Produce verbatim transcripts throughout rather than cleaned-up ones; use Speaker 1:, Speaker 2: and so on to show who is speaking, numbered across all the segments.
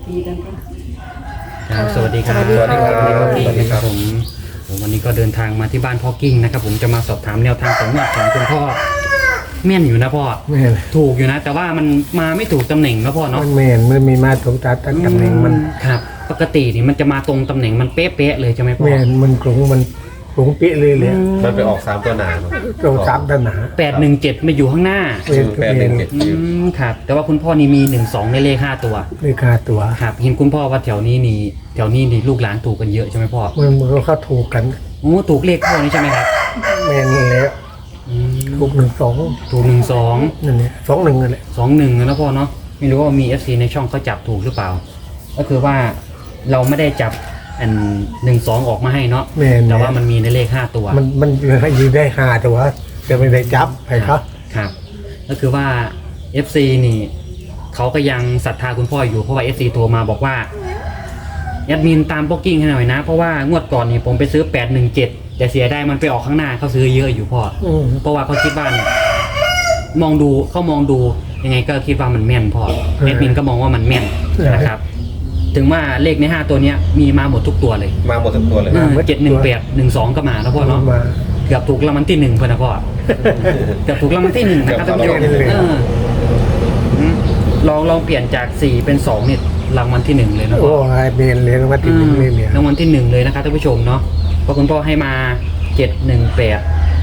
Speaker 1: ทีกันค่ะ
Speaker 2: ครับสวัสดีครับ
Speaker 3: สวัสดีครับ
Speaker 2: สวัสดีครับผมผมวันนี้ก็เดินทางมาที่บ้านพ่อกิ้งนะครับผมจะมาสอบถามแนวทางของงวดของคุณพ่อแม่นอยู่นะพ่อ
Speaker 4: แม่น
Speaker 2: ถูกอยู่นะ แต่ว่ามันมาไม่ถูกตำแหน่งนะพ่อเนาะ
Speaker 4: มันแม่นมันมีมาตรงตาตั้งตำแหน่งมัน
Speaker 2: ครับปกตินี่มันจะมาตรงตำแหน่งมันเป๊ะๆเลยใช่ไหมพ่อ
Speaker 4: แม่นมันกลงมันกลงเปี้ยเลยเลย
Speaker 3: มันไปออกสามตัวหนาเนอะ
Speaker 4: ตรงสามตันหนา
Speaker 2: แปดหนึ่งเจ็ดมาอยู่ข้างหน้า
Speaker 4: แม่น
Speaker 3: แปดหนึ่งเจ็ด
Speaker 2: อืมครับแต่ว่าคุณพ่อนี่มีหนึ่งสองในเลขห้าตัว
Speaker 4: เลขาตัว
Speaker 2: ครับเห็นคุณพ่อว่าแถวนี้นี่แถวนี้นี่ลูกหลานถูกกันเยอะใช่ไหมพ่อ
Speaker 4: มันมันก็เข้าถูกกัน
Speaker 2: โอ้ถูกเลขพ่อนี่ใช่ไหมครับ
Speaker 4: แม่นนี่แหล้ว
Speaker 2: อืม
Speaker 4: ถูกหนึ่งสอง
Speaker 2: ถูกหนึ่งสอง
Speaker 4: นั่นเนี่ยสองหนึ่งนั่นแหละ
Speaker 2: สองหนึ่งนะพ่อเนาะไม่รู้ว่ามี เอฟ ซี ในช่องเขาจับถูกหรือเปล่า ก็คือว่าเราไม่ได้จับอันหนึ่งสองออกมาให้เนาะ
Speaker 4: แม่น
Speaker 2: แต่ว่ามันมีในเลขห้าตัว
Speaker 4: มันมันยืนได้ห้าตัวจะไม่ได้จับใครครับ
Speaker 2: ครับ ก็คือว่า เอฟ ซี นี่เขาก็ยังศรัทธาคุณพ่ออยู่เพราะว่า เอฟ ซี โทรมาบอกว่าแอดมินตามโป๊กกิ้งให้หน่อยนะ เพราะว่างวดก่อนนี่ผมไปซื้อแปดหนึ่งเจ็ดแต่เสียได้มันไปออกข้างหน้าเขาซื้อเยอะอยู่พ่อ
Speaker 4: อืม
Speaker 2: เพราะว่าเขาคิดว่าเนี่ยมองดูเขามองดูยังไงก็คิดว่ามันแม่นพอแอดมินก็มองว่ามันแม่นนะครับ ถึงว่าเลขในห้าตัวเนี้ยมีมาหมดทุกตัวเลย
Speaker 3: มาหมดทั้งตัวเลย
Speaker 2: เจ็ดหนึ่งแปดหนึ่งสองก็มาแล้วพ่อเนาะ
Speaker 4: มา
Speaker 2: เกือบถูกรางวัลที่หนึ่งเพื่อนนะพ่อเกือบถูกรางวัลที่หนึ่งนะครับท่านผู้ชม
Speaker 4: เกือบถูกรางวัลที่หนึ่ง
Speaker 2: เอออืมลองลองเปลี่ยนจากสี่เป็นสองเนี่ยรางวัลที่หนึ่งเลยนะ
Speaker 4: โอ้
Speaker 2: พ่อย
Speaker 4: เมนเลยนะว่าติดหนึ่งเลยเนี่ย
Speaker 2: รางวัลที่หนึ่งเลยนะครับท่านผู้ชมเนาะเพราะคุณพ่อให้มาเจ็ดหนึ่งแปด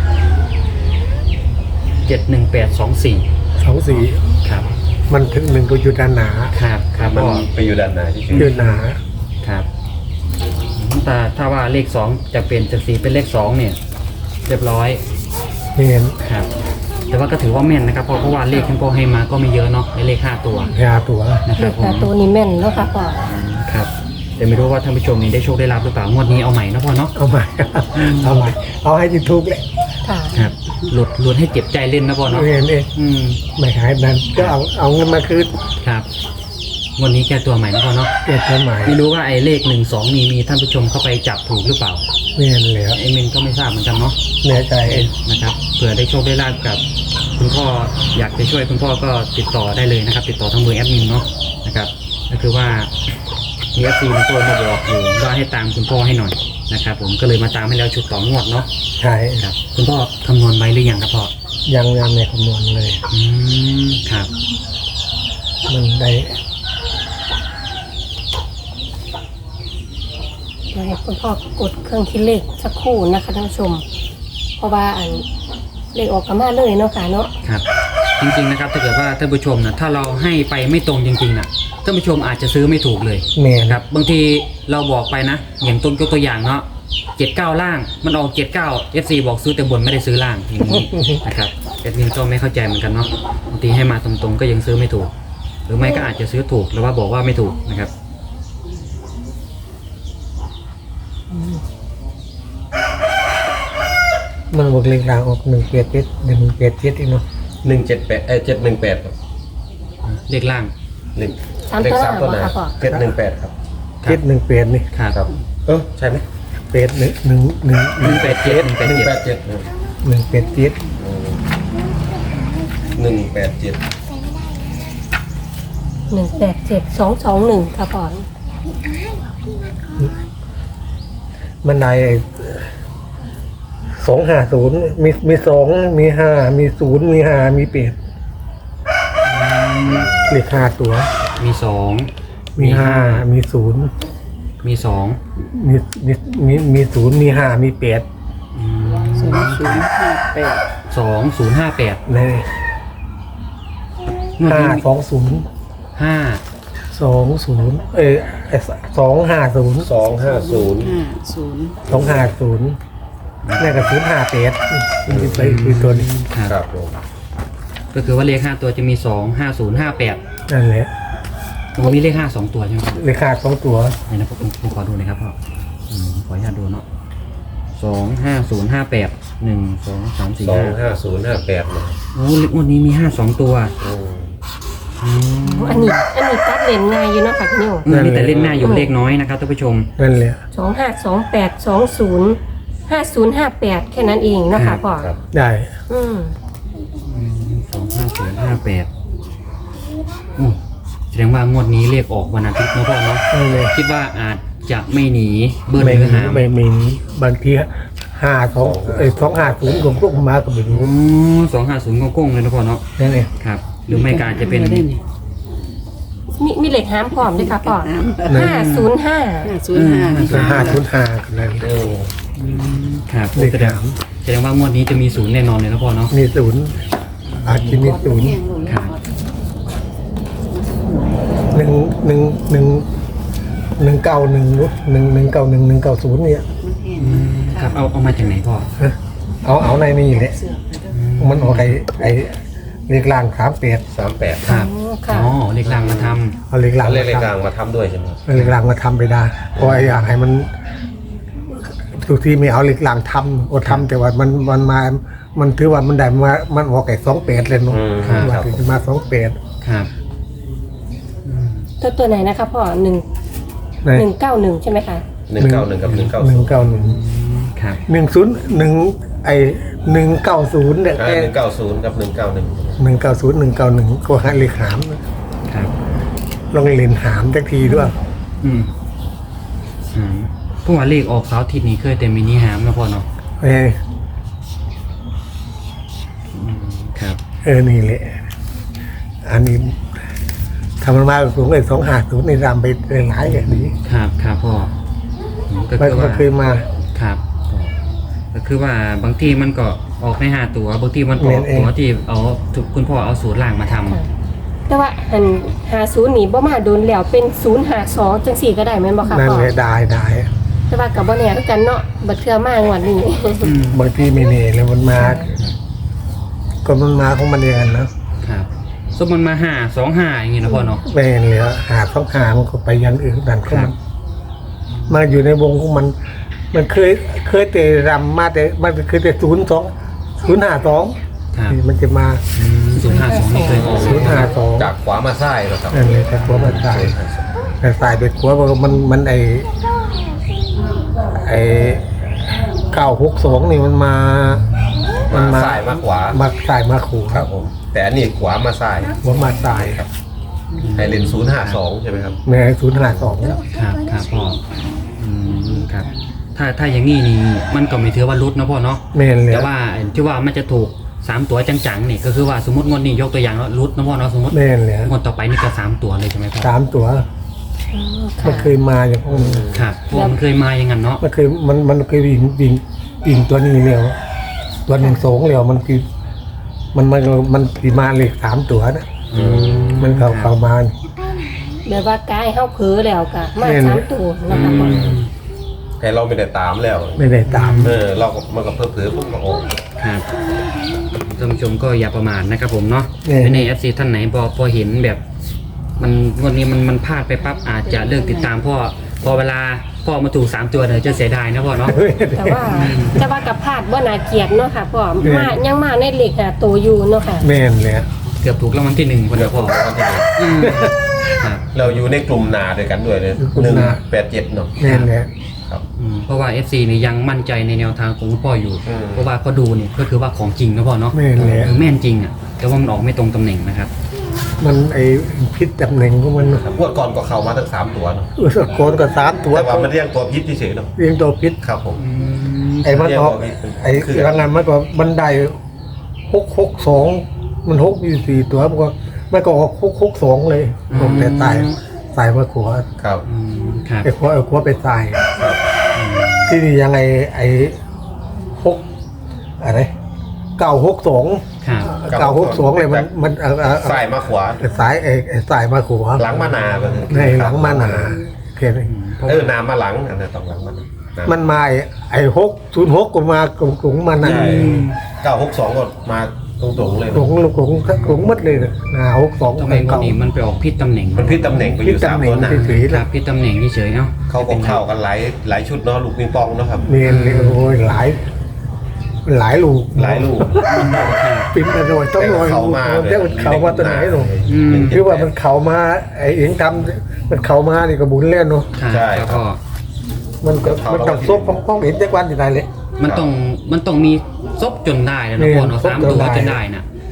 Speaker 2: เจ็ดหนึ่งแปดสองสี่
Speaker 4: สองสี่
Speaker 2: ครับ
Speaker 4: มันถึงหนึ่งก็อยู่ด้านหนา
Speaker 2: ครับครับ
Speaker 3: มัน
Speaker 2: พ่อ
Speaker 3: ไปอยู่ด้านหน้าที่
Speaker 4: อยู่หนา
Speaker 2: ครับแต่ถ้าว่าเลขสองจะเปลี่ยนจากสี่เป็นเลขสองเนี่ย เรียบร้อย
Speaker 4: เมน
Speaker 2: ครับ แต่ว่าก็ถือว่าแม่นนะครับเพราะเพราะว่าเลขที่พ่อให้มาก็ไม่เยอะเนาะในเลขห้าตัว
Speaker 4: ยาตัว
Speaker 2: นะค
Speaker 1: เล
Speaker 2: รับ
Speaker 1: ข
Speaker 2: ผ
Speaker 1: หน้าม ตัวนี้แม่นเนาะค่ะพ่อ
Speaker 2: ครับแต่ไม่รู้ว่าท่านผู้ชมนี้ได้โชคได้ลาบหรือเปล่างวดนี้เอาใหม่นะพ่อเนาะ
Speaker 4: เอาใหม่เอาใหม่เอาให้ที่ทุกเลย
Speaker 1: ค่ะ
Speaker 2: ครับหลุดหลุดให้เจ็บใจเล่นนะพ่อเนาะ
Speaker 4: เมนเอง
Speaker 2: อืม
Speaker 4: ไม่หายนั้นก็เอาเอาเงินมาคืน
Speaker 2: ครับงวันนี้แก้ตัวใหม่นะพ่อเนาะ
Speaker 4: เก็บตัวใหม่
Speaker 2: ไม่รู้ว่าไอ้เลขหนึ่งสองนี่มีท่านผู้ชมเข้าไปจับถูกหรือเปล่า
Speaker 4: เมนแล้ว
Speaker 2: ไอ้เมนก็ไม่ทราบเหมือนกันเนาะ
Speaker 4: แน่ใจ
Speaker 2: นะครับเผื่อได้โชคได้ลาบกับคุณพ่ออยากจะช่วยคุณพ่อก็ติดต่อได้เลยนะครับ ติดต่อทางเบอร์แอดมินเนาะนะครับก็คือว่ามีเอฟซีมันตัวมาบอกอยู่ว่าให้ตามคุณพ่อให้หน่อยนะครับผมก็เลยมาตามให้แล้วชุดต่องวดเนาะ
Speaker 4: ใช่
Speaker 2: ครับคุณพ่อคำนวณไว้หรือยังครับพ่อ
Speaker 4: ยังยังในคำนวณเลย
Speaker 2: อืมครับ
Speaker 4: มันได้
Speaker 1: เดี๋ยวให้คุณพ่อกดเครื่องคิดเลขสักครู่นะคะท่านผู้ชม เพราะว่าอันเลขออกกันมาเลยเนาะค่ะเนาะ
Speaker 2: ครับจริงๆนะครับถ้าเกิดว่าท่านผู้ชมนะถ้าเราให้ไปไม่ตรงจริงๆนะท่านผู้ชมอาจจะซื้อไม่ถูกเลย
Speaker 4: แมน
Speaker 2: ครับบางทีเราบอกไปนะ อย่างต้นยกตัวอย่างเนาะเจ็ดเก้าล่างมันออกเจ็ดเก้าเอฟซีบอกซื้อแต่บนไม่ได้ซื้อล่างอย่างนี้ นะครับแอดมินก็ไม่เข้าใจเหมือนกันเนาะบางทีให้มาตรงๆก็ยังซื้อไม่ถูก หรือไม่ก็อาจจะซื้อถูกหรือว่าบอกว่าไม่ถูกนะครับ
Speaker 4: มันบอกเลขรางออกหนึ่งเปียดเจ็ดหนึ่งเปียดเจ็ดอีกเนาะ
Speaker 3: หนึ่งเจ็ดแปดเอ้เจ็ดหนึ่งแปด
Speaker 2: เลขล่าง
Speaker 3: หนึ่ง
Speaker 1: สาม
Speaker 3: เลข
Speaker 1: ตัว
Speaker 3: สามตัวหนา
Speaker 1: ค่ะพ่อ
Speaker 3: เจ็ดหนึ่งแปดครับ
Speaker 2: ครับ
Speaker 4: เจ็ดหนึ่งเปียดนี่
Speaker 2: ครับ
Speaker 3: ครับ เออใช่ไหม
Speaker 4: เปียดหนึ่งหนึ่งหนึ่ง
Speaker 2: หนึ่งแปดเจ็ดหนึ่งแปด
Speaker 3: หนึ่ง
Speaker 2: เจ็ด
Speaker 3: แปดเจ็ด
Speaker 4: หนึ่งเปียดเจ็ด
Speaker 3: หนึ่งแปดเจ็ด
Speaker 1: หนึ่งแปดเจ็ดสองสองหนึ่งค่ะพ่อ
Speaker 4: มันได้สองห้าศูนย์มีมีสองมีห้ามีศูนย์มีห้ามีเปียดเลขห้าตัว
Speaker 2: มีสอง
Speaker 4: มีห้ามีศูนย์
Speaker 2: มีสอง
Speaker 4: มีมีมีมีศูนย์มีห้ามีเปียด
Speaker 2: อืม
Speaker 1: ศูนย์ศูนย์ห้าแปด
Speaker 2: สองศูนย์ห้าแปด
Speaker 4: ใน
Speaker 2: งวด
Speaker 4: ห้า
Speaker 2: นี้
Speaker 4: สองศูนย์
Speaker 2: ห้า
Speaker 4: สองศูนย์เออสองห้าศูนย์
Speaker 3: สองห้าศูนย์
Speaker 1: ห้าศูนย์
Speaker 4: สองห้าศูนย์นี่กับศูนย์ห้าเปียดนี่ไปคือตัวนี้
Speaker 2: ครับ
Speaker 3: ครับผม
Speaker 2: ก็คือว่าเลขห้าตัวจะมีสองห้าศูนย์ห้าแปด
Speaker 4: นั่นแหละ
Speaker 2: มันมีเลขห้าสองตัวใช่ไหมครับ
Speaker 4: เลขาสองตัว
Speaker 2: ไหนนะผมผมขอดูหน่อยครับพ่ออืมขออนุญาตดูเนาะสองห้าศูนย์ห้าแปดหนึ่งสองสามสี่
Speaker 3: สอง
Speaker 2: ห้า
Speaker 3: ห้าศูนย์ห้าแปดนะ
Speaker 2: โอ้เลขงวดนี้มีห้าสองตัว
Speaker 3: อืม
Speaker 2: อืม
Speaker 1: อันนี้อันนี้ตัดเลนง่ายอยู่เนาะค่ะพี่นิว
Speaker 2: มีแต่เล่นหน้าอยู่เลขน้อยนะครับท่านผู้ชม
Speaker 4: นั่นแหละ
Speaker 1: สองห้าสองแปดสองศูนย์ห้าศูนย์ห้าแปดแค่นั้นเองเนาะค่ะพ่อ
Speaker 3: ครับ
Speaker 4: ได้
Speaker 1: อืม
Speaker 2: สองห้าศูนย์ห้าแปดอืมแสดงว่างวดนี้เลขออกวันอาทิตย์นะพ่อเนาะ
Speaker 4: นั่นเลย
Speaker 2: คิดว่าอาจจะไม่หนีเบิ้ล
Speaker 4: ไม่
Speaker 2: หรือ
Speaker 4: มี
Speaker 2: หาม
Speaker 4: ไม่มีบางทีห้าสองเอ้ยสองห้าศูนย์รวมพวกมาก็ไม่รู้
Speaker 2: สองห้าศูนย์โก้งๆเลยนะพ่อเนาะ
Speaker 4: นั่นเอง
Speaker 2: ครับ หรือไม่ก็อาจจะเป็น
Speaker 1: มีมีเหล็กห้ามพร้อมด้วยค่ะพ่อ
Speaker 5: น้ำ
Speaker 1: ห้าศูนย์ห้า
Speaker 5: ห้าศูนย์ห้า
Speaker 4: ห้าศูนย์ห้ากันเลย
Speaker 3: เออ
Speaker 2: ครับ
Speaker 4: เลข
Speaker 2: แสดง
Speaker 4: หาม
Speaker 2: แสดงว่างวดนี้จะมีศูนย์แน่นอนเลยนะพ่อเนาะ
Speaker 4: มีศูนย์อาจจะมีศูนย์
Speaker 2: ครับ
Speaker 4: หนึ่งหนึ่งหนึ่งหนึ่งเก้าหนึ่งหนึ่งหนึ่งเก้าหนึ่งหนึ่งเก้าศูนย์เนี่ย
Speaker 2: ครับ เอาเอามาจากไหนพ่อ
Speaker 4: เอาเอาในนี่แหละมันออกไอ้ไอ้เลขล่างสามแปด
Speaker 3: สามแปด
Speaker 2: ครับ
Speaker 1: ค่ะ
Speaker 2: อ๋อเลขล่างมาทำ
Speaker 4: เอาเลขล่าง
Speaker 3: เลขเลข
Speaker 4: มาก
Speaker 3: ลาง
Speaker 4: ทำ
Speaker 3: มาทำด้วยใช่ไหมครับ
Speaker 4: เอาเลขล่างมาทำไปได้เพราะไอ้อยากให้มันทุกทีไม่เอาเลขล่างทำโอทำแต่ว่ามันมันมา มันถือว่ามันได้มามันออกไอ้สองแปดเลยเนาะ
Speaker 3: อืม
Speaker 2: ครับ
Speaker 4: ว่าถึงจะมาสองแปด
Speaker 2: ครับ
Speaker 1: ตัวตัวไหนนะคะพ่อหนึ่งหนึ่งเก้าหนึ่งใช่ไหมคะ
Speaker 3: หนึ่งเก้าหนึ่งกับหนึ่งเก้า
Speaker 4: หนึ่งเก้าหนึ่ง
Speaker 2: ครับ
Speaker 4: หนึ่งศูนย์หนึ่งไอ้หนึ่งเก้าศูนย์เนี่ย
Speaker 3: หนึ่งเก้าศูนย์กับหนึ่งเก้าหนึ่ง
Speaker 4: หนึ่งเก้าศูนย์หนึ่งเก้าหนึ่งก็ให้เลขหาม
Speaker 2: ครับ
Speaker 4: ลองเล่นหามสักทีด้วย
Speaker 2: อืมอืมพวกว่าเลขออกเสาร์อาทิตย์นี้เคยแต่มินิหามนะพ่อเนาะ
Speaker 4: เออ
Speaker 2: อืมครับ
Speaker 4: เออนี่แหละอันนี้ทำมันมาสูงเลยสองหาศูนย์ในรำไปหลายอย่างนี้
Speaker 2: ครับครับพ่ออืมก็
Speaker 4: มัน
Speaker 2: คือ
Speaker 4: ก็
Speaker 2: ว่า
Speaker 4: เคยมา
Speaker 2: ครับก็คือว่าบางทีมันก็ออกในห้าตัวบางทีมันก็ออก
Speaker 4: เอง
Speaker 2: ตัวที่เอาถูกคุณพ่อเอาสูตรล่างมาทำ
Speaker 1: ค่ะ แต่ว่าอันหาศูนย์นี่บ่มาโดนแล้วเป็นศูนย์หาสองจังสี่ก็ได้แม่นบ่ค่ะ
Speaker 4: นั่น
Speaker 1: พ่อ
Speaker 4: เลยได้ได้
Speaker 1: แต่ว่ากับบ่แน่คือกันเนาะบัดเทื่อมางวดนี้
Speaker 2: อืม
Speaker 4: บางทีไม่เน่เลยมันมา ก็มันมาของมันเองอะเนาะ
Speaker 2: ครับสมมันมาห้าสองห้าอย่างงี้นะพ่อเนาะ
Speaker 4: ไม่เห็นเลยหาต้องหามันก็ไปอยันอื่นดันก็
Speaker 2: ครั
Speaker 4: มั
Speaker 2: บ
Speaker 4: นมาอยู่ในวงของมัน มันเคยเคยแต่รำมาแต่มันเคยแต่ศูนย์สองศูนย์ห้าสอง
Speaker 2: ครับ
Speaker 4: มันจะมา
Speaker 2: ศูนย์ห้าสองนี่เคยออก
Speaker 4: ศูนย์ห้าสอง
Speaker 3: จากขวามาซ้ายนะครับ
Speaker 4: นั่นเลยแต่ขัวมันตายแต่ตายไปขัวมันมันไอไอเก้าหกสองนี่มันมา
Speaker 3: มา
Speaker 4: มา
Speaker 3: ซ้ายมาขวา
Speaker 4: มาสายมาขู่
Speaker 3: ครับผมแต่อันนี้ขวามาซ้าย
Speaker 4: หัวมาตาย
Speaker 3: ครับให้เลนศูนย์ห้าสองใช่ไหมครับ
Speaker 4: แม่ศูนย์ห้าสอง
Speaker 2: ครับครับพ่ออืมครับ ถ้าถ้าอย่างนี้นี่มันก็ไม่ถือว่ารุดนะพ่อเนาะ
Speaker 4: แม่นเลย
Speaker 2: แต่ว่าที่ว่ามันจะถูกสามตัวจังๆนี่ก็คือว่าสมมติงวดนี้ยกตัวอย่างแล้วรุดนะพ่อเนาะสมมติ
Speaker 4: แม่นเลย
Speaker 2: งวดต่อไปนี่ก็สามตัวเลยใช่ไหมพ่อ
Speaker 4: สามตัว
Speaker 1: อืม
Speaker 4: มัน
Speaker 1: ค่ะ
Speaker 4: เคยมาอย่างพวกนี้
Speaker 2: ครับเพราะว่ามันเคยมาอย่างนั้นเนาะ
Speaker 4: มันเคยมันมันเคยวิ่งวิ่งวิ่งตัวนี้เร็วตัวหนึ่งสองเร็วมันคือมันมันมันสีมาเลยสามตัวนะ
Speaker 2: อืม
Speaker 4: มันเข้าเข้ามา
Speaker 1: แบบว่ากายเฮาเผลอแล้วก็มา
Speaker 4: แม่น
Speaker 1: สามตัวนะ
Speaker 2: อื
Speaker 1: คะพ่อ
Speaker 2: ม
Speaker 3: แต่เราไม่ได้ตามแล้ว
Speaker 4: ไม่ได้ตาม
Speaker 3: เออเราก็มันก็เพิ่มเพิ่มปุ๊บก็ออก
Speaker 2: ครับท่านผู้ชมก็อย่าประมาทนะครับผมเนาะ
Speaker 4: เออ
Speaker 2: ในเอฟซีท่านไหนพอพอเห็นแบบ มันงวดนี้มันมันพลาดไปปั๊บอาจจะเลิกติดตามพ่อพอเวลาพ่อมาถูกสามตัวเดี๋ยวจะเสียดายนะพ่อเนาะ
Speaker 1: แต่ว่าแต่ว่ากับพลาดบ่น่าเกลียดเนาะค่ะพ่อมายังมาในเหล็กหาตัวอยู่เนาะค่ะ
Speaker 4: แม่นเลย
Speaker 2: เกือบถูกรางวัลที่หนึ่งคน
Speaker 3: เดี๋
Speaker 2: เดี
Speaker 3: ย
Speaker 2: ยว ว
Speaker 3: ผ
Speaker 2: พ่อ
Speaker 3: มวันที่หนึ่ง
Speaker 2: อืมครับ
Speaker 3: เราอยู่ในกลุ่มนาด้วยกันด้วยเลยหนึ่งแปดเจ็ดเนาะ
Speaker 4: แม่นเลย
Speaker 3: ครับ
Speaker 2: อืมเพราะว่า เอฟ ซี นี่ยังมั่นใจในแนวทางของคุณพ่ออยู่
Speaker 3: อืม
Speaker 2: เพราะว่าเขาดูนี่ก็คือว่าของจริงนะพ่อเนาะ
Speaker 4: แม่นเลย
Speaker 2: คือแม่นจริงอ่ะแต่ว่ามันออกไม่ตรงตำแหน่งนะครับ
Speaker 4: มันไอ้พิษตำแหน่งของมัน
Speaker 3: ครับงวดก่อนก็เข้ามาทั้งสามตัวเนาะ
Speaker 4: อุสโกนก็สามตัว
Speaker 3: แต่ว่ามันเรียกตัวพิษเฉยๆเนาะ
Speaker 4: เรียงตัวพิษ
Speaker 3: ครับผม
Speaker 4: ไอ้มันออกไอ้รังงานมันก็มันได้หกหกสองมันหกอยู่สี่ตัวมันก็มันก็ออกหกหกสองเลย
Speaker 2: อืม
Speaker 4: ผมแต่ตายตายมาขัว
Speaker 3: ครับ
Speaker 2: อืมครับ
Speaker 4: ไอ้ขัวไอ้ขัวไปตาย
Speaker 3: ครับ
Speaker 4: ที่นี่ยังไงไอ้หกอะไรเก้าหกสอง
Speaker 2: ครับ
Speaker 4: เก้าหกสองเลยมันมันเอ่อเอ่อ
Speaker 3: ซ้ายมาขวา
Speaker 4: สายไอ้ไอ้สายมาขัว
Speaker 3: หลังมานาก็คือ
Speaker 4: ในหลังมาหนาแค่นี้
Speaker 3: เออนามาหลังอันนั้นต้องหลังมานา
Speaker 4: มันมาไอ้ไอ้หกศูนย์หกก็มากลุ่งกลุ่งมันนะ
Speaker 3: ใช่เก้าหกสองก็มาตรงๆเลย
Speaker 4: กลุ่งกลุ่งกลุ่งมัดเลยนะหนาหกสอง
Speaker 2: ทำไมงวด
Speaker 4: เก่า
Speaker 2: นี้มันไปออกพิษตำแหน่ง
Speaker 3: มันพิษตำแหน่งไปอ
Speaker 4: พิษ
Speaker 3: ยู่สาม
Speaker 4: ตำแหน่
Speaker 3: ตั
Speaker 4: ง
Speaker 3: วหนา
Speaker 4: เฉยๆ
Speaker 2: ครั
Speaker 4: นะ
Speaker 2: บพิษตำแหน่งเฉยๆเนาะ
Speaker 3: เขาก็เข้ากันหลายหลายชุดเนาะลูกปิงปองเนาะครับ
Speaker 4: เนียนเลยโอ้ยหลาย หลายลูก
Speaker 3: หลายลูก
Speaker 4: ปิ้นอร่อยต้องรอย
Speaker 3: เขามา
Speaker 4: เดี๋ยวมันเขามาตัวไหนหรอก
Speaker 2: อืม
Speaker 4: คือว่ามันเขามาไอ้เองทำมันเขามานี่ก็บุญเล่นเนาะ
Speaker 2: ครับ
Speaker 3: ใช่
Speaker 2: แล้ว
Speaker 3: ครั
Speaker 2: ก็
Speaker 3: บ
Speaker 4: มันก็มันต้องซบของของเห็นจักวันที่ไหนเลย
Speaker 2: มันต้องมันต้องมีซบจนได้นะ
Speaker 4: นี่
Speaker 2: พ่อเนาะ
Speaker 4: ซบ
Speaker 2: สาม
Speaker 4: จน
Speaker 2: ตัว
Speaker 4: ได้
Speaker 2: จนได้นะ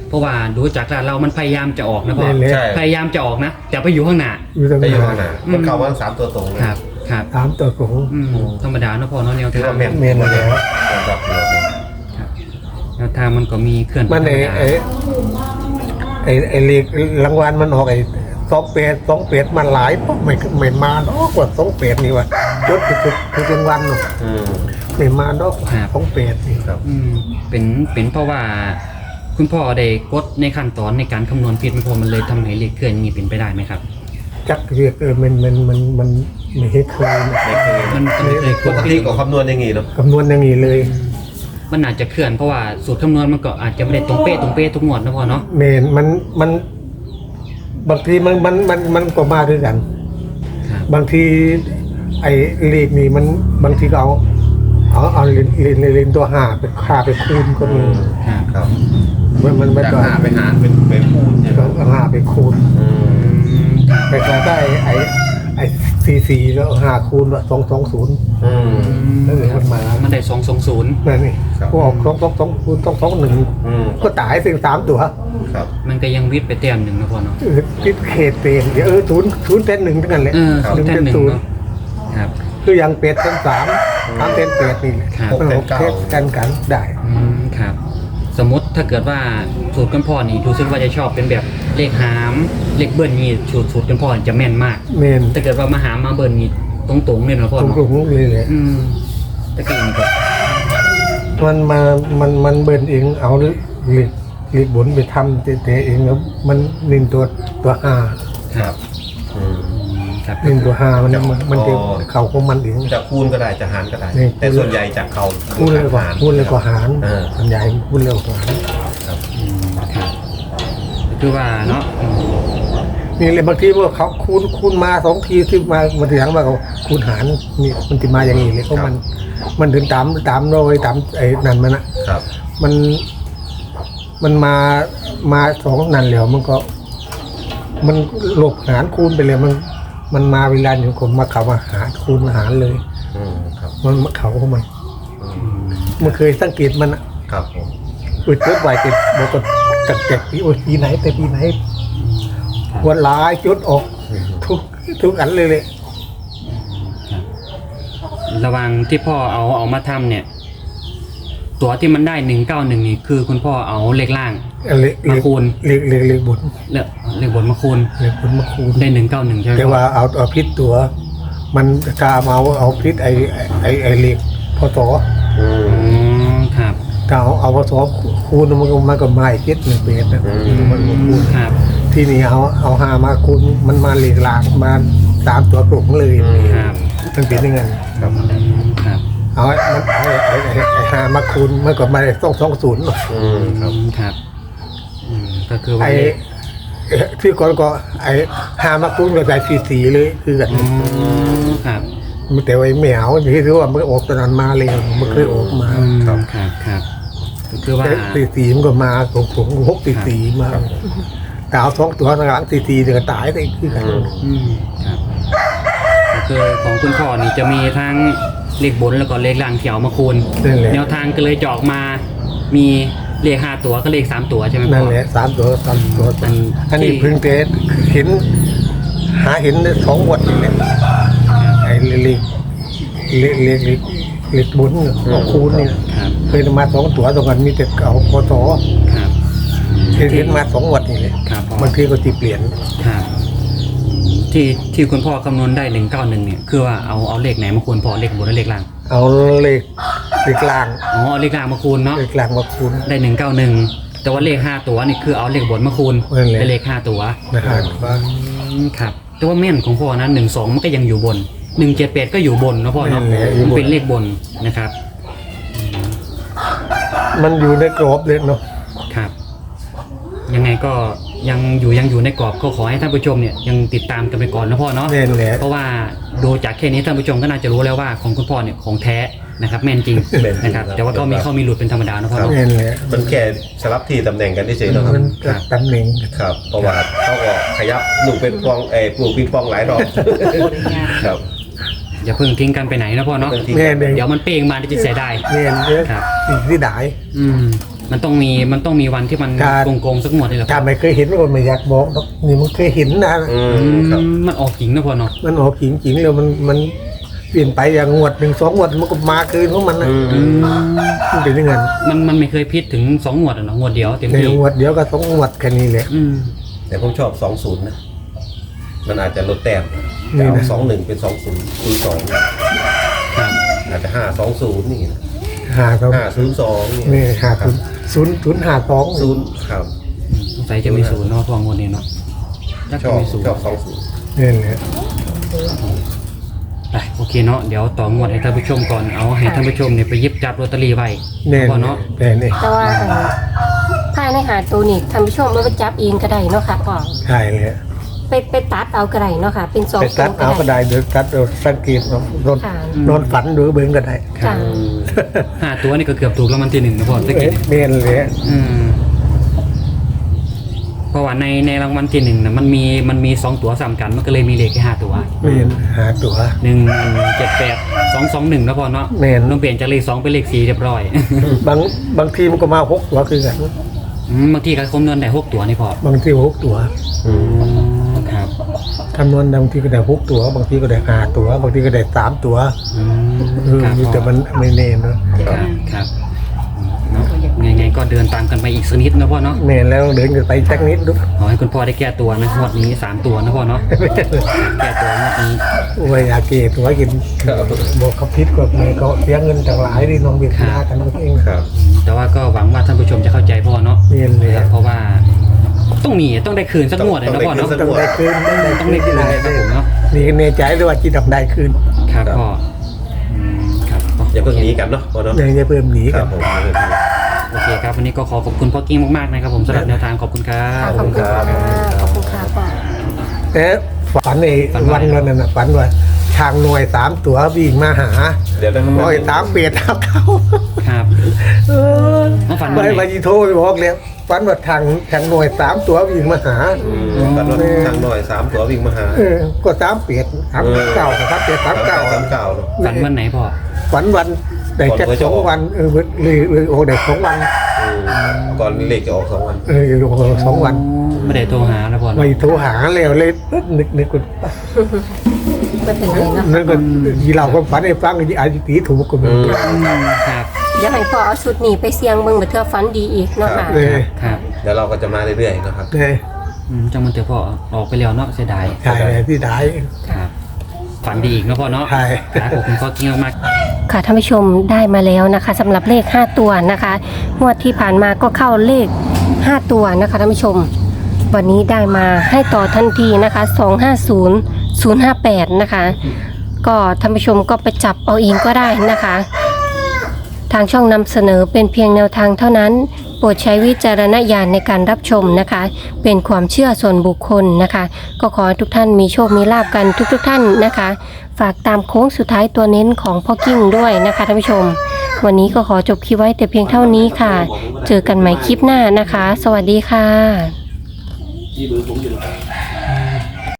Speaker 2: เพราะว่าดูจากร้านเรามันพยายามจะออกนะพ่อ
Speaker 4: แม่นเลย
Speaker 3: ใช่
Speaker 2: พยายามจะออกนะแต่ไปอยู่ข้างหน้า
Speaker 4: อยู่ตรง
Speaker 3: ได้อยู่ข้างห
Speaker 4: นั้
Speaker 3: น้าน มันเข้ามาทั้งสามตัวตรงเลย
Speaker 2: ครับครับ
Speaker 4: ถามตัวของ
Speaker 2: อืมธรรมดาเนาะพ่อเนาะแนว
Speaker 3: ถือ
Speaker 2: ทาง
Speaker 3: ว่าแม่น
Speaker 4: แม่นแล้ว
Speaker 3: ครับเดี๋ยวนี้
Speaker 2: แนวทางมันก็มีเคลื่อน
Speaker 4: มันไอ้
Speaker 2: ธรรดา
Speaker 4: ไอ้ไอ้ไอ้เลขรางวัลมันออกไอ้สองเป็ดสองเป็ดมันหลายเพราะไม่ไม่มาดอกกว่าสองเป็ดนี่ว่ะยศคือคือรางวัลเนาะ
Speaker 3: อืม
Speaker 4: ไม่มาดอกสองเป็ดนี่
Speaker 3: ครับ
Speaker 2: อืมเป็นเป็นเพราะว่า คุณพ่อได้กดในขั้นตอนในการคำนวณผิดมันพอมันเลยทำให้เลขเคลื่อนอย่างนี้เป็นไปได้ไหมครับ
Speaker 4: จักเรียกเออมันมันมันมันไม่เห็นเคย
Speaker 3: ไม่เคย
Speaker 2: มันมันเลยก
Speaker 3: ป
Speaker 2: ด
Speaker 3: ก
Speaker 2: ผิ
Speaker 3: ติ
Speaker 2: ด
Speaker 3: ก็คำนวณอย่างงี้เนาะ
Speaker 4: คำนวณอย่างนี้เลย
Speaker 2: มันอาจจะเคลื่อนเพราะว่าสูตรคำนวณมันก็อาจจะไม่ได้ตรงเป๊ะตรงเป๊ะทุกงวดนะพ่อเนาะ
Speaker 4: เมนมันมันบางทีมันมันมันมันก็มาด้วยกัน
Speaker 2: ครับ
Speaker 4: บางทีไอ้เลขนี่มันบางทีก็เอาเอาเอาเลนเลนเลนตัวห้าไปค่าไปคูณก็มี
Speaker 2: ครับ
Speaker 3: ครับ
Speaker 4: มันมันไม่
Speaker 3: จาก
Speaker 4: ต้อง
Speaker 3: หาไปหารเป็นเป็นคูณใช่ไหม
Speaker 4: เอาห้าไปคูณ
Speaker 3: อืม
Speaker 2: อืมครับ
Speaker 4: ไปก็ได้ไอ้ไอ้สี่สี่แล้วห้าคูณว่าสองสองศูนย์
Speaker 3: อืม
Speaker 4: แล้วเหลือมันมา
Speaker 2: มันได้สองสองศูนย์
Speaker 4: นั่นนี่
Speaker 3: ครับ
Speaker 4: พวกสองสองสองคูณสองสองหนึ่ง
Speaker 3: อืม
Speaker 4: ก็ตายสิ่งสามตัว
Speaker 3: ครับ
Speaker 2: มันก็ยังวิทย์ไปแต้มหนึ่งนะพ่อเนาะ
Speaker 4: เออคิดเขตเปลี่ยนเดี๋ยวเออศูนย์ศูนย์เต้นหนึ่งทั้งนั้นแหละ
Speaker 2: เออ
Speaker 3: ครับ
Speaker 2: ศูนย์แต้มหนึ่ง
Speaker 4: ศูนย์
Speaker 2: เนาะครับ
Speaker 4: คืออย่างเป็ดเต้นสามสามเต้นเป็ดนี่แหละ
Speaker 2: ครับ
Speaker 4: มันหกเทสกันกันได้
Speaker 2: อืมครับ สมมติถ้าเกิดว่าสูตรกันพ่อนี่ดูซึกว่าจะชอบเป็นแบบเลขหามเลขเบิ้ลนี่สูตรสูตรกันพ่อนี่จะแม่นมาก
Speaker 4: เมน
Speaker 2: ถ้าเกิดว่ามาหามมาเบิ้ลนี่ตรงๆเลยนะพ่อ
Speaker 4: ตรง
Speaker 2: เนาะ
Speaker 4: กลุ่มเลยเลย
Speaker 2: อืมแต่ก็อย่างนี้ก็
Speaker 4: มันมา มันมันเบินเองเอาหรือหรือหรือบุญไปทำเตะๆเองแล้วมันนินตัวตัวห้า
Speaker 2: ครับ
Speaker 3: อืม
Speaker 2: ครับ
Speaker 4: นินตัวห้ามันมันมันจะ
Speaker 3: อ๋อ
Speaker 4: เข่าของมันเอง
Speaker 3: จะคูณก็ได้จะหารก็ได้
Speaker 4: นี่
Speaker 3: แต่ส่วนใหญ่จากเขา
Speaker 4: พูดเลยกว่าพูดเลยกว่าหาร
Speaker 3: เออ
Speaker 4: ส่วนใหญ่พูดเร็วกว่าหาร
Speaker 2: อืมครับคือว่าเนาะอืม
Speaker 4: นี่เลยบางทีว่าเขาคูณคูณมาสองทีที่มามาทีหลังมาเขาคูณหารนี่มันจะมาอย่างนี้เลยเพราะมัน มันถึงตามตามโรยตามไอ้นั่นมันอะ
Speaker 3: ครับ
Speaker 4: มันมันมามาสองนันแล้วมันก็ มันหลบหารคูณไปเลยมันมันมาเวลาอยู่คนมาเขามาหารคูณมาหารเลย
Speaker 3: อืมครับ
Speaker 4: มันมาเขาของมัน
Speaker 3: อืม
Speaker 4: มันเคยสังเกตมันอะ
Speaker 3: ครับผม
Speaker 4: อุดจุดไหวเก็บบอกก็ตัดเก็บปีโอ้ยปีไหนแต่ปีไหนวันหลายจุดออกทุกทุกอันเลยเลย
Speaker 2: ระหวังที่พ่อเอาเอามาทำเนี่ย ตัวที่มันได้หนึ่งเก้าหนึ่งนี่คือคุณพ่อเอาเลขล่าง
Speaker 4: เล็ก
Speaker 2: มาคูณ
Speaker 4: เล็กเล็กเล็กบุญ
Speaker 2: เลขเลขบนมาคูณ
Speaker 4: เล็กบุญมาคูณ
Speaker 2: ได้หนึ่งเก้าหนึ่งใช่ไหม
Speaker 4: แต่ว่าเอาเอาพิษตัว มันกามาเอาเอาพิษไอไอไอเล็กพอต่อ
Speaker 3: อื
Speaker 2: อ๋
Speaker 3: ม
Speaker 2: อครับ
Speaker 4: ถ้าเอาเอาพอต่อคูณมันก็มันก็มาอีกพิษหนึ่งเปรตนะ
Speaker 3: อืม
Speaker 4: มันก็คูณ
Speaker 2: ครับ
Speaker 4: ที่นี่เอาเอาหามาคูณมันมาเล็กหลากมาสามตัวกลุ่มเลย
Speaker 2: ครับ
Speaker 4: มันเป็นยังไง
Speaker 3: ครับ
Speaker 2: อืมครับ
Speaker 4: เอาไอ้มันไอ้ไอ้ไอ้ไอ้หามาคูณมันก็มาได้ต้องสองศูนย์
Speaker 3: อืมครับ
Speaker 2: ครับอืมก็คือว่า
Speaker 4: ไอ้
Speaker 2: เลข
Speaker 4: เอ่อที่ก่อนก็ไอ้หามาคูณก็ได้สีสีเลยคือกัน
Speaker 2: อ๋อครับ
Speaker 4: มันแต่ว่าไอ้แมวที่ถือว่ามันออกตอนนั้นมาเลยมันเคยออกมา
Speaker 2: อืมครับครับก็คือว่า
Speaker 4: แต่สีสีมันก็มาผมผมหกสีสีมาแต่เอาสองตัวหลังสีสีเดี๋ยวก็ตายไปคือกัน
Speaker 2: อืมครับก็คือของคุณพ่อนี่จะมีทั้งเลขบนแล้วก็เลขล่างเที่ยวมาคูณ
Speaker 4: นั่นแหละ
Speaker 2: แนวทางก็เลยจะออกมา มีเลขห้าตัวก็เลขสามตัวใช่ไหมพ่อ
Speaker 4: นั่นแหละสามตัวสามตัว
Speaker 2: อัน
Speaker 4: อันนี้
Speaker 2: ที่
Speaker 4: เพิ่งเตะเห็น หาเห็นได้สองวันนี่แหละไอ้เล็กเล็กเล็กเล็กเล็กบุญเนี่ยของคูณเนี่ย
Speaker 2: ครับ
Speaker 4: เคยมาสองตัวตรงกันมีแต่เอาพอต่อ
Speaker 2: ครับ
Speaker 4: เห็นเห็นมาสองวันนี่เลย
Speaker 2: ครับพ่อ
Speaker 4: บางทีก็ตีเปลี่ยน
Speaker 2: ครับที่ที่คุณพ่อคำนวณได้หนึ่งเก้าหนึ่งเนี่ยคือว่าเอาเอาเลขไหนมาคูณพ่อเลขบนและเลขล่าง
Speaker 4: เอาเลขเลขกลาง
Speaker 2: อ๋อเอาเลขล่างมาคูณเนาะ
Speaker 4: เลขกลางมาคูณ
Speaker 2: ได้หนึ่งเก้าหนึ่งแต่ว่าเลขห้าตัวนี่คือเอาเลขบนมาคูณ
Speaker 4: นั่นแหละ
Speaker 2: ได้เลขห้าตัว
Speaker 4: นะฮะว่า
Speaker 2: อืมครับแต่ว่าแม่นของพ่อนะหนึ่งสองมันก็ยังอยู่บนหนึ่งเจ็ดแปดก็อยู่บนนะพ่อเนาะมันเป็นเลขบนนะครับ
Speaker 4: มันอยู่ในกรอบเลยเนาะ
Speaker 2: ครับ ยังไงก็ยังอยู่ยังอยู่ในกรอบก็ขอให้ท่านผู้ชมเนี่ยยังติดตามกันไปก่อนนะพ่อเนาะ
Speaker 4: แน่นแหละ
Speaker 2: เพราะว่าดูจากแค่นี้ท่านผู้ชมก็น่าจะรู้แล้วว่าของคุณพ่อเนี่ยของแท้นะครับแม่นจริง
Speaker 3: แม่นจริง
Speaker 2: นะครับ
Speaker 3: ครับ
Speaker 2: แต่ว่าก็มีเข้ามีหลุดเป็นธรรมดานะพ่อเนาะ
Speaker 4: แน่นแหละ
Speaker 3: มันแค่สลับที่ตำแหน่งกันเฉยๆเนาะครับ
Speaker 4: มันจะตำแหน่ง
Speaker 3: ครับเพราะว่าเขาก็ขยับลูกเป็นปองเอ้ปลูกปิงปองหลายรอบครับ
Speaker 2: อย่าเพิ่งทิ้งกันไปไหนนะพ่อเนาะ
Speaker 3: บางที
Speaker 4: แน่นเอง
Speaker 2: เดี๋ยวมันเป้งมาจะเสียดาย
Speaker 4: แน่นเยอะ
Speaker 2: ครับ
Speaker 4: สิ่งที่ได้
Speaker 2: อืมมันต้องมีมันต้องมีวันที่มัน
Speaker 4: การ
Speaker 2: โกงๆสักงวดนี่แหละพ่
Speaker 4: ถ้า
Speaker 2: อ
Speaker 4: ไม่เคยเห็นก็ไม่อยากบอกหรอกนี่มันเคยเห็นนะ
Speaker 3: อื
Speaker 2: อื
Speaker 3: มครับ
Speaker 2: มมันออกจริงนะพ่อเนาะ
Speaker 4: มันออกจริงๆแล้วมันมันเปลี่ยนไปอย่างงวดหนึ่งสองงวดมันก็มาคืนของมันนะ
Speaker 3: อืม
Speaker 2: อืม
Speaker 4: มันเป็นอยังไง
Speaker 2: มันมันไม่เคยพิษถึงสองงวดอะเนาะงวดเดียวเต็ม
Speaker 4: ใน
Speaker 2: ที่
Speaker 4: งวดเดียวก็สองงวดแค่นี้แหละ
Speaker 2: อืม
Speaker 3: แต่ผมชอบสองศูนย์นะมันอาจจะลดแต้ม
Speaker 4: นี่
Speaker 3: จาก
Speaker 4: นะ
Speaker 3: สองหนึ่งเป็นสองศูนย์ศูนย์สอง
Speaker 2: ครับ
Speaker 3: อาจจะห้าสองศูนย์นี่นะ
Speaker 4: หาสอง
Speaker 3: ห้าศูนย์สองนี่
Speaker 4: นี่หาศูนย์ศูนย์ศูนย์หาสอง
Speaker 3: ศูนย์ครับ
Speaker 2: อืมสงสัยจะมีศูนย์เนาะพ่องวดนี้เนาะน่า
Speaker 3: ช
Speaker 2: จะ
Speaker 3: อบ
Speaker 2: มีศูนย์
Speaker 3: ชอบสองศูนย์
Speaker 4: นี่แหละ
Speaker 2: ไปโอเคเนาะเดี๋ยวต่องวดให้ท่านผู้ชมก่อนเอาให้ท่านผู้ชมเนี่ยไปหยิบจับลอตเตอรี่ไว้
Speaker 4: นี่
Speaker 2: พ่อเนาะ
Speaker 4: นี่นี่
Speaker 1: แต่ว่าอันภายในหาตัวนี่ท่านผู้ชมเอาไปจับเองก็ได้เนาะค่ะพ่อ
Speaker 4: ใช่เลย
Speaker 1: ไปไปตัดเอาก็ได้เนาะค่ะ เป็นสอง
Speaker 4: ไป
Speaker 1: ตั
Speaker 4: ตั
Speaker 1: ว
Speaker 4: ดเอาก็ได้เดี๋ยวตัดเอาสังเกตเอานอน
Speaker 1: ค่ะ
Speaker 4: นอนฝันหรือเบิ่งก็ได้
Speaker 1: ค่ะ
Speaker 2: ห้าตัวนี่ก็เกือบถูกรางวัลที่หนึ่งนะพ่อตะ
Speaker 4: เอ๊ะ
Speaker 2: กี้
Speaker 4: เนียนเลย
Speaker 2: อืมเพราะว่าในในรางวัลที่หนึ่งนะมันมีมันมีสองตัวสามกันมันก็เลยมีเลขแค่ห้าตัว
Speaker 4: เนียนหาตัว
Speaker 2: หนึ่งเจ็ดแปดสองสองหนึ่งแล้วพอเนาะ
Speaker 4: แม่น
Speaker 2: ต้องเปลี่ยนจากเลขสองเป็นเลขสี่เรียบร้อย
Speaker 4: บางบางทีมันก็มาหกตัวคือกัน
Speaker 2: อืมบางทีก็คำนวณได้หกตัวนี่พอบ
Speaker 4: างทีหกตัว
Speaker 3: อืม
Speaker 2: ครับ
Speaker 4: คำนวณบางทีก็ได้หกตัว บางทีก็ได้ห้าตัว บางทีก็ได้สามตัว
Speaker 2: อืม
Speaker 4: เออ
Speaker 2: ครับ
Speaker 4: แต่มันไม่แน่เนอะ
Speaker 2: ครับครับอืมเนาะไงๆก็เดินตามกันไปอีกสักนิดนะพ่อเนาะ
Speaker 4: แม่นแล้วเดินกันไปจักนิดดู
Speaker 2: ขอให้คุณพ่อได้แก้ตัวนะงวดนี้สามตัวนะพ่อเนาะแก้ตัวงวดนี้
Speaker 4: ว่าอยากเกตัวกิน
Speaker 3: ครับ
Speaker 4: บอกเขาพิษก็ไม่ก็เสียเงินต่างหลายดิน้องเบียดหน้ากันเอง
Speaker 3: ครับ
Speaker 2: แต่ว่าก็หวังว่าท่านผู้ชมจะเข้าใจพ่อเนาะ
Speaker 4: เนียนเลย
Speaker 2: เพราะว่าต้องมีต้องได้คืนสักงวดเลยนะพ่อเนาะ
Speaker 4: ต้องได้คืนต้องได้
Speaker 2: ต้องได้คืนเลยครับผมเนาะ
Speaker 4: นี่ก็แน่ใจด้วยว่าจีดอกได้คืน
Speaker 2: ครับพ่ออืมครับ
Speaker 3: อย่าเพิ่งหนีกันเนาะพ่อเนาะ
Speaker 4: ยังจะเพิ่มหนี
Speaker 3: ค
Speaker 4: กั
Speaker 3: รั
Speaker 4: น
Speaker 3: บผมอย่าเพิ่งหนี
Speaker 2: โอเคครับวันนี้ก็ขอขอบคุณพ่อกิ้งมากๆนะครับผมสำหรับแนวทางขอบคุณครั
Speaker 1: ค่ะ
Speaker 2: บ
Speaker 1: ขอบคุณค่ะขอบคุณค่ะพ่อ
Speaker 4: แต่ฝันใน
Speaker 2: ฝันว่า
Speaker 4: วันนั้นน่ะฝันว่าทางหน่วยสามตัววิ่งมาหา
Speaker 3: เดี๋ยวนะ
Speaker 4: ร้อยสามเปียดทับเขา
Speaker 2: ครับ
Speaker 4: เออ
Speaker 2: น้องฝัน
Speaker 4: ไป
Speaker 2: ว่าไง
Speaker 4: มาจีโทรไปบอกเลยฝันว่าทางทางหน่วยสามตัววิ่งมาหา
Speaker 3: อืมตัดรถทางหน่อยสามตัววิ่งมาหา
Speaker 4: เออก็สามเปียดสามเก้าครับเปียดสามเก้า
Speaker 3: สามเก้าเนาะ
Speaker 2: ฝันวันไหนพ่อ
Speaker 4: ฝันวันได้แค่
Speaker 3: ก่อนหวย
Speaker 4: ส
Speaker 3: จะ
Speaker 4: อง
Speaker 3: ออก
Speaker 4: วันเออเลยเลยโอ้ได้สองวัน
Speaker 3: อืมก่อนเลขจะออกสองวัน
Speaker 4: เออโอ้โหสองวัน
Speaker 2: ไม่ได้โทรหาแล้วพ่อ
Speaker 4: ไม่โทรหาแล้วเลยนึกนึกว่า
Speaker 1: ไม่เป็นไรเนาะ
Speaker 4: นั่นก็ยีเราก็ฝันให้ฟังอีอาจจะตีถูกก็ไมี
Speaker 2: อืมครับ
Speaker 1: เดี๋ยวให้พ่อเอาชุดนี้ไปเสี่ยงเบิ่งเบ่เทื่อฝันดีอีกเนาะค่ะ
Speaker 4: เลย
Speaker 2: ครับ
Speaker 3: เดี๋ยวเราก็จะมาเรื่อยๆนะครับ
Speaker 4: เลย
Speaker 2: อืมจังมันเถอะพ่อออกไปแล้วเนาะเสียดาย
Speaker 4: ใช่ที่ได้
Speaker 2: ครับฝันดีอีกเนาะพ่อเนาะ
Speaker 4: ใช่
Speaker 2: ครับขอบคุณพ่อกิ้งมาก
Speaker 1: ค่ะท่านผู้ชมได้มาแล้วนะคะสำหรับเลขห้าตัวนะคะงวดที่ผ่านมาก็เข้าเลขห้าตัวนะคะท่านผู้ชม วันนี้ได้มาให้ต่อทันทีนะคะสองห้าศูนย์ ศูนย์ห้าแปดนะคะ ก็ท่านผู้ชมก็ไปจับเอาเองก็ได้นะคะ ทางช่องนำเสนอเป็นเพียงแนวทางเท่านั้น โปรดใช้วิจารณญาณในการรับชมนะคะ เป็นความเชื่อส่วนบุคคลนะคะ ก็ขอให้ทุกท่านมีโชคมีลาบกันทุกๆทท่านนะคะ ฝากตามโค้งสุดท้ายตัวเน้นของพ่อกิ้งด้วยนะคะท่านผู้ชม วันนี้ก็ขอจบคลิปไว้แต่เพียงเท่านี้ค่ะ เจอกันใหม่คลิปหน้านะคะ สวัสดีค่ะ
Speaker 3: ที่เบอร์ผมอยู่